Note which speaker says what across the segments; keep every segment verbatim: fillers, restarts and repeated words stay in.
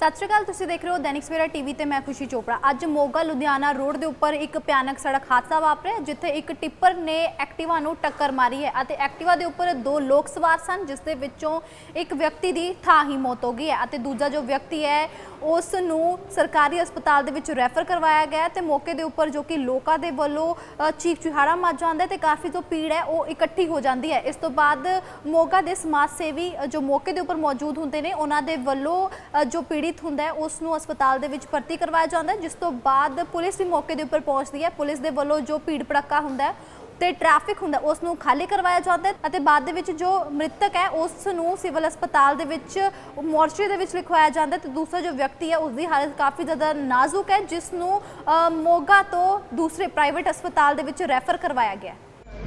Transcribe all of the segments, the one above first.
Speaker 1: सत श्री अकाल, तुसीं देख रहे हो दैनिक सवेरा टीवी ते मैं खुशी चोपड़ा। अज मोगा लुधियाना रोड के उपर एक भयानक सड़क हादसा वापरिया जिथे एक टिप्पर ने एक्टिवा नूं टक्कर मारी है अते एक्टिवा के उपर दो लोग सवार सन, जिस दे विचों एक व्यक्ति की थां ही मौत हो गई है अते दूजा जो व्यक्ति है उस नूं सरकारी हस्पताल दे विच रैफर करवाया गया ते मौके के उपर जो कि लोगों के वल्लों चीख चिहाड़ा मच जाता है ते काफ़ी जो भीड़ है वो इकट्ठी हो जाती है। इस तो बाद मोगा के समाज सेवी जो मौके के उपर मौजूद होंगे ने उन्हां दे वल्लों जो पीड़ित हुंदा है उसनूं हस्पताल दे विच भर्ती करवाया जाता है, जिस तो बाद पुलिस भी मौके के उपर पहुंचती है। पुलिस के वल्लों जो भीड़ भड़का हुंदा है ते ट्रैफिक हुंदा उसनूं खाली करवाया जाता है अते बाद दे विच जो मृतक है उसनूं सिविल हस्पताल दे विच मोर्चरी दे विच लिखवाया जाता है ते दूसरा जो व्यक्ति है उसकी हालत काफ़ी ज़्यादा नाजुक है, जिसनूं मोगा तो दूसरे प्राइवेट हस्पताल दे विच रैफर करवाया गया।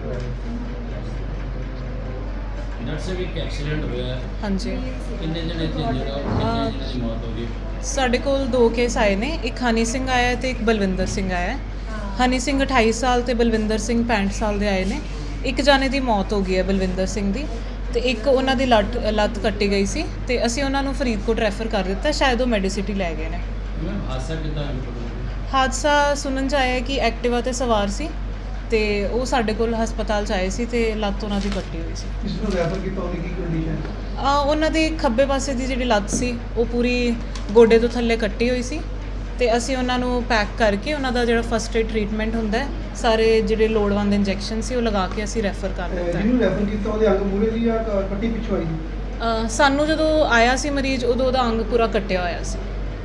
Speaker 2: हाँ जी, साढ़े कोल दो केस आए ने, एक हनी सिंह आया तो एक बलविंदर सिंह आया। हनी सिंह अठाई साल तो बलविंदर सिंह पैंठ साल के आए ने। एक जाने की मौत हो गई है बलविंदर सिंह की, तो एक उन्हों की लत लत्त कट्टी गई सी ते असीं उन्होंने फरीदकोट रैफर कर दिता, शायद वो मैडिसिटी लै गए ने। हादसा सुनन च आया कि एक्टिवा ते सवार सी ते वो साडे कोल हस्पताल च आए सी ते लत्त उन्हां दी कट्टी हुई सी।
Speaker 3: किसनूं रैफर कीता, उहदी की कंडीशन?
Speaker 2: आ उन्हां दी खब्बे पासे दी जिहड़ी लत्त सी वो पूरी गोडे तो थल्ले कट्टी हुई सी ते असीं उन्हां नूं पैक करके उन्हां दा जिहड़ा फस्ट एड ट्रीटमेंट हुंदा है, सारे जिहड़े लोड़वंद इंजैक्शन सी वो लगा के असीं रैफर कर दित्ता है।
Speaker 3: जिहनूं रैफर कीता ਉਹਦੇ अंग ਮੂਹਰੇ ਸੀ ਜਾਂ ਕੱਟੀ ਪਿੱਛੋਂ ਆਈ ਸੀ?
Speaker 2: ਸਾਨੂੰ ਜਦੋਂ ਆਇਆ ਸੀ ਮਰੀਜ਼ ਉਦੋਂ ਉਹਦਾ ਅੰਗ ਪੂਰਾ ਕੱਟਿਆ ਹੋਇਆ ਸੀ।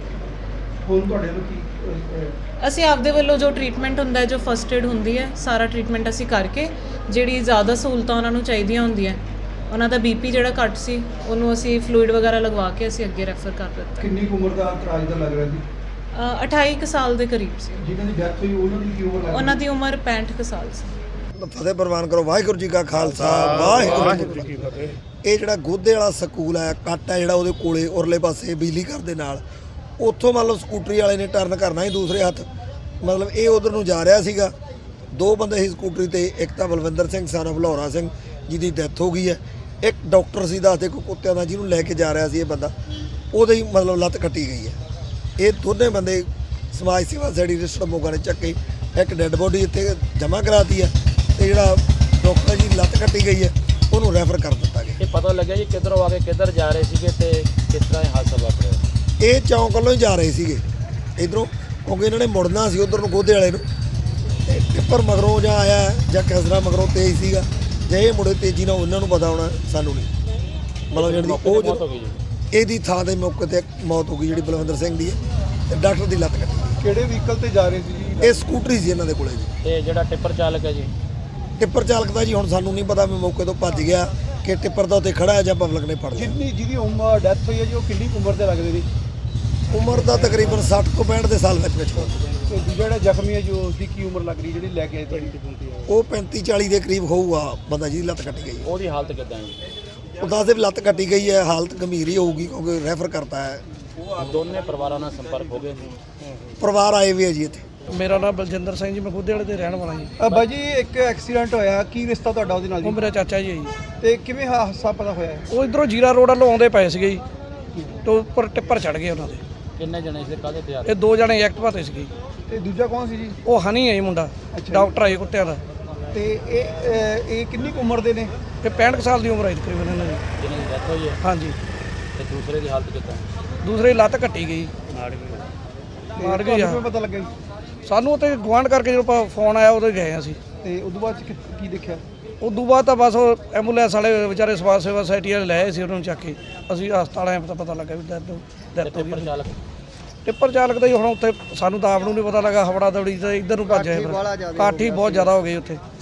Speaker 3: ਹੁਣ ਤੁਹਾਡੇ ਨੂੰ ਕੀ
Speaker 2: ਅਸੀਂ ਆਪਦੇ ਵੱਲੋਂ ਜੋ ਟ੍ਰੀਟਮੈਂਟ ਹੁੰਦਾ ਹੈ, ਜੋ ਫਸਟ ਏਡ ਹੁੰਦੀ ਹੈ, ਸਾਰਾ ਟ੍ਰੀਟਮੈਂਟ ਅਸੀਂ ਕਰਕੇ ਜਿਹੜੀ ਜ਼ਿਆਦਾ ਸਹੂਲਤਾਂ ਉਹਨਾਂ ਨੂੰ ਚਾਹੀਦੀਆਂ ਹੁੰਦੀਆਂ, ਉਹਨਾਂ ਦਾ ਬੀਪੀ ਜਿਹੜਾ ਘੱਟ ਸੀ ਉਹਨੂੰ ਅਸੀਂ ਫਲੂਇਡ ਵਗੈਰਾ ਲਗਵਾ ਕੇ ਅਸੀਂ ਅੱਗੇ ਰੈਫਰ ਕਰ ਦਿੱਤਾ।
Speaker 3: ਕਿੰਨੀ ਕੁ ਉਮਰ ਦਾ ਤਰਾਜ ਦਾ ਲੱਗ ਰਿਹਾ ਸੀ?
Speaker 2: ਅਠਾਈ ਕੁ ਸਾਲ ਦੇ ਕਰੀਬ ਸੀ।
Speaker 3: ਜਿਨ੍ਹਾਂ ਦੀ ਡੈਥ ਹੋਈ ਉਹਨਾਂ ਦੀ ਕੀ ਉਮਰ ਲੱਗ
Speaker 2: ਉਹਨਾਂ ਦੀ ਉਮਰ ਪੈਂਹਠ ਕੁ ਸਾਲ ਸੀ।
Speaker 4: ਫਤਿਹ ਪ੍ਰਵਾਨ ਕਰੋ। ਵਾਹਿਗੁਰੂ ਜੀ ਕਾ ਖਾਲਸਾ, ਵਾਹਿਗੁਰੂ ਜੀ ਕੀ ਫਤਿਹ। ਇਹ ਜਿਹੜਾ ਗੋਦੇ ਵਾਲਾ ਸਕੂਲ ਹੈ, ਕੱਟ ਹੈ ਜਿਹੜਾ ਉਹਦੇ ਕੋਲੇ ਉਰਲੇ ਪਾਸੇ ਬਿਜਲੀ ਘਰ ਦੇ ਨਾਲ, ਉੱਥੋਂ ਮੰਨ ਲਓ ਸਕੂਟਰੀ ਵਾਲੇ ਨੇ ਟਰਨ ਕਰਨਾ ਸੀ ਦੂਸਰੇ ਹੱਥ, ਮਤਲਬ ਇਹ ਉਧਰ ਨੂੰ ਜਾ ਰਿਹਾ ਸੀਗਾ। ਦੋ ਬੰਦੇ ਸੀ ਸਕੂਟਰੀ ਤੇ, ਇੱਕ ਤਾਂ ਬਲਵਿੰਦਰ ਸਿੰਘ ਸਨ ਆਫ ਲਹੌਰਾ ਸਿੰਘ ਜਿਹਦੀ ਡੈਥ ਹੋ ਗਈ ਹੈ, ਇੱਕ ਡਾਕਟਰ ਸੀ ਦੱਸਦੇ ਕੋਈ ਕੁੱਤਿਆਂ ਦਾ ਜਿਹਨੂੰ ਲੈ ਕੇ ਜਾ ਰਿਹਾ ਸੀ ਇਹ ਬੰਦਾ, ਉਹਦੇ ਹੀ ਮਤਲਬ ਲੱਤ ਕੱਟੀ ਗਈ ਹੈ। ਇਹ ਦੋਨੇ ਬੰਦੇ ਸਮਾਜ ਸੇਵਾ ਸੋਸਾਇਟੀ ਰਜਿਸਟਰਡ ਮੋਗਾ ਨੇ ਚੱਕੇ, ਇੱਕ ਡੈੱਡ ਬੋਡੀ ਇੱਥੇ ਜਮ੍ਹਾਂ ਕਰਾਤੀ ਹੈ ਤੇ ਜਿਹੜਾ ਡਾਕਟਰ ਜੀ ਲੱਤ ਕੱਟੀ ਗਈ ਹੈ ਉਹਨੂੰ ਰੈਫਰ ਕਰ ਦਿੱਤਾ ਗਿਆ।
Speaker 5: ਇਹ ਪਤਾ ਲੱਗਿਆ ਜੀ ਕਿੱਧਰੋਂ ਆ ਕੇ ਕਿੱਧਰ ਜਾ ਰਹੇ ਸੀਗੇ ਤੇ ਕਿਸ ਤਰ੍ਹਾਂ ਇਹ ਹਾਦਸਾ ਵਾਪਰਿਆ?
Speaker 4: ਇਹ ਚੌਂਕ ਵੱਲੋਂ ਹੀ ਜਾ ਰਹੇ ਸੀਗੇ ਇੱਧਰੋਂ, ਕਿਉਂਕਿ ਇਹਨਾਂ ਨੇ ਮੁੜਨਾ ਸੀ ਉੱਧਰ ਨੂੰ ਗੋਦੇ ਵਾਲੇ ਨੂੰ, ਤੇ ਟਿੱਪਰ ਮਗਰੋਂ ਜਾਂ ਆਇਆ ਜਾਂ ਕਿਸ ਤਰ੍ਹਾਂ ਮਗਰੋਂ ਤੇਜ਼ ਸੀਗਾ, ਜੇ ਇਹ ਮੁੜੇ ਤੇਜ਼ੀ ਨਾਲ ਉਹਨਾਂ ਨੂੰ ਪਤਾ ਹੋਣਾ, ਸਾਨੂੰ ਨਹੀਂ। ਮਤਲਬ ਜਿਹੜੀ ਉਹ ਜਦੋਂ ਇਹਦੀ ਥਾਂ ਤੇ ਮੌਕੇ ਤੇ ਮੌਤ ਹੋ ਗਈ ਜਿਹੜੀ ਬਲਵਿੰਦਰ ਸਿੰਘ ਦੀ ਹੈ, ਤੇ ਡਾਕਟਰ ਦੀ ਲੱਤ ਕੱਟੀ।
Speaker 3: ਕਿਹੜੇ ਵਹੀਕਲ ਤੇ ਜਾ ਰਹੇ ਸੀ ਜੀ?
Speaker 4: ਇਹ ਸਕੂਟਰੀ ਸੀ ਇਹਨਾਂ ਦੇ ਕੋਲੇ ਜੀ।
Speaker 5: ਤੇ ਜਿਹੜਾ ਟਿੱਪਰ ਚਾਲਕ ਹੈ ਜੀ?
Speaker 4: ਟਿੱਪਰ ਚਾਲਕ ਦਾ ਜੀ ਹੁਣ ਸਾਨੂੰ ਨਹੀਂ ਪਤਾ, ਮੈਂ ਮੌਕੇ ਤੋਂ ਭੱਜ ਗਿਆ ਕਿ ਟਿੱਪਰ ਦਾ ਉੱਤੇ ਖੜਾ ਹੈ ਜਾਂ ਪਬਲਿਕ ਨੇ ਫੜ ਲਿਆ।
Speaker 3: ਜਿੰਨੀ ਜਿਹਦੀ ਉਮਰ ਡੈਥ ਹੋਈ ਹੈ ਜੀ ਉਹ ਕਿੰਨੀ ਉਮਰ ਦੇ ਲੱਗਦੇ ਨੇ?
Speaker 4: ਉਮਰ ਦਾ ਤਕਰੀਬਨ ਸੱਠ ਤੋਂ ਪੈਂਹਠ ਦੇ ਸਾਲ ਵਿੱਚ ਵਿੱਚ
Speaker 3: ਤੇ ਦੂਜਾ ਜਿਹੜਾ ਜ਼ਖਮੀ ਹੈ ਜੀ ਉਸ ਦੀ ਕੀ ਉਮਰ ਲੱਗ ਰਹੀ ਜਿਹੜੀ ਲੈ ਕੇ ਆਏ ਤੁਹਾਡੀ?
Speaker 4: ਉਹ ਪੈਂਤੀ ਚਾਲੀ ਦੇ ਕਰੀਬ ਹੋਊਗਾ ਬੰਦਾ ਜਿਹਦੀ ਲੱਤ ਕੱਟੀ ਗਈ।
Speaker 5: ਉਹਦੀ ਹਾਲਤ ਕਿੱਦਾਂ ਹੈ ਜੀ?
Speaker 4: ਉਹ ਦੱਸਦੇ ਵੀ ਲੱਤ ਕੱਟੀ ਗਈ ਹੈ, ਹਾਲਤ ਗੰਭੀਰ ਹੀ ਹੋਊਗੀ ਕਿਉਂਕਿ ਰੈਫਰ ਕਰਤਾ ਹੈ।
Speaker 5: ਦੋਨੇ ਪਰਿਵਾਰਾਂ ਨਾਲ ਸੰਪਰਕ ਹੋ ਗਏ ਸੀ?
Speaker 4: ਪਰਿਵਾਰ ਆਏ ਵੀ ਹੈ ਜੀ ਇੱਥੇ।
Speaker 6: ਮੇਰਾ ਨਾਮ ਬਲਜਿੰਦਰ ਸਿੰਘ ਜੀ, ਮੈਂ ਖੁਦ ਵਾਲੇ ਤੇ ਰਹਿਣ ਵਾਲਾ ਜੀ।
Speaker 3: ਬਾਈ ਜੀ ਇੱਕ ਐਕਸੀਡੈਂਟ ਹੋਇਆ, ਕੀ ਰਿਸ਼ਤਾ ਤੁਹਾਡਾ ਉਹਦੇ ਨਾਲ
Speaker 6: ਉਹ
Speaker 3: ਜੀ?
Speaker 6: ਮੇਰਾ ਚਾਚਾ ਜੀ ਹੈ ਜੀ।
Speaker 3: ਤੇ ਕਿਵੇਂ ਹਾਦਸਾ ਪਤਾ ਹੋਇਆ?
Speaker 6: ਉਹ ਇਧਰੋਂ ਜੀਰਾ ਰੋਡ ਵੱਲੋਂ ਆਉਂਦੇ ਪਏ ਸੀਗੇ ਜੀ, ਤੇ ਉੱਪਰ ਟਿੱਪਰ ਚੜ ਗਏ ਉਹਨਾਂ ਦੇ।
Speaker 5: ਕਿੰਨੇ ਜਣੇ ਸੀ, ਕਾਹਦੇ ਤੇ ਆ?
Speaker 6: ਇਹ ਦੋ ਜਣੇ ਐਕਟਿਵਾ ਤੇ ਸੀਗੇ।
Speaker 3: ਤੇ ਦੂਜਾ ਕੌਣ ਸੀ ਜੀ?
Speaker 6: ਉਹ ਹਨੀ ਹੈ ਜੀ ਮੁੰਡਾ, ਡਾਕਟਰ ਹੈ ਕੁੱਤਿਆਂ ਦਾ।
Speaker 3: ਤੇ ਇਹ ਇਹ ਕਿੰਨੀ ਕੁ ਉਮਰ ਦੇ ਨੇ?
Speaker 6: ਇਹ ਪੈਂਹਠ ਸਾਲ ਦੀ ਉਮਰ ਹੈ ਤਕਰੀਬਨ ਇਹਨਾਂ ਦੀ।
Speaker 5: ਜਿਹਨਾਂ ਦੀ ਡੈਥ ਹੋਈ ਹੈ?
Speaker 6: ਹਾਂਜੀ।
Speaker 5: ਤੇ ਦੂਸਰੇ ਦੀ ਹਾਲਤ ਕਿੱਦਾਂ?
Speaker 6: ਦੂਸਰੇ ਦੀ ਲੱਤ ਕੱਟੀ ਗਈ, ਮਾਰ ਗਈ।
Speaker 3: ਕਿਵੇਂ ਪਤਾ ਲੱਗਿਆ ਜੀ?
Speaker 6: ਸਾਨੂੰ ਉੱਥੇ ਗੁਆਂਢ ਕਰਕੇ ਜਦੋਂ ਫੋਨ ਆਇਆ ਉਦੋਂ ਗਏ ਅਸੀਂ।
Speaker 3: ਤੇ ਉਦੋਂ ਬਾਅਦ ਚ ਕੀ- ਕੀ ਦੇਖਿਆ?
Speaker 6: ਉਦੋਂ ਬਾਅਦ ਤਾਂ ਬਸ ਉਹ ਐਂਬੂਲੈਂਸ ਵਾਲੇ ਵਿਚਾਰੇ ਸਮਾਜ ਸੇਵਾ ਸੁਸਾਇਟੀ ਵਾਲੇ ਲੈ ਆਏ ਸੀ ਉਹਨਾਂ ਨੂੰ ਚੱਕ ਕੇ। ਅਸੀਂ ਹਸਪਤਾਲ ਆਏ ਤਾਂ ਪਤਾ ਲੱਗਾ ਵੀ ਡੈਥ ਡੈਥ ਹੋ
Speaker 5: ਟਿੱਪਰ
Speaker 6: ਗਈ।
Speaker 5: ਚਾਲਕ?
Speaker 6: ਟਿੱਪਰ ਚਾਲਕ ਦਾ ਹੀ ਹੁਣ ਉੱਥੇ ਸਾਨੂੰ ਤਾਂ ਆਪ ਨੂੰ ਨਹੀਂ ਪਤਾ ਲੱਗਾ, ਹਵੜਾ ਦੌੜੀ ਤੇ ਇੱਧਰ ਨੂੰ ਭੱਜ ਆਏ। ਕਾਠੀ ਬਹੁਤ ਜ਼ਿਆਦਾ ਹੋ ਗਈ ਉੱਥੇ।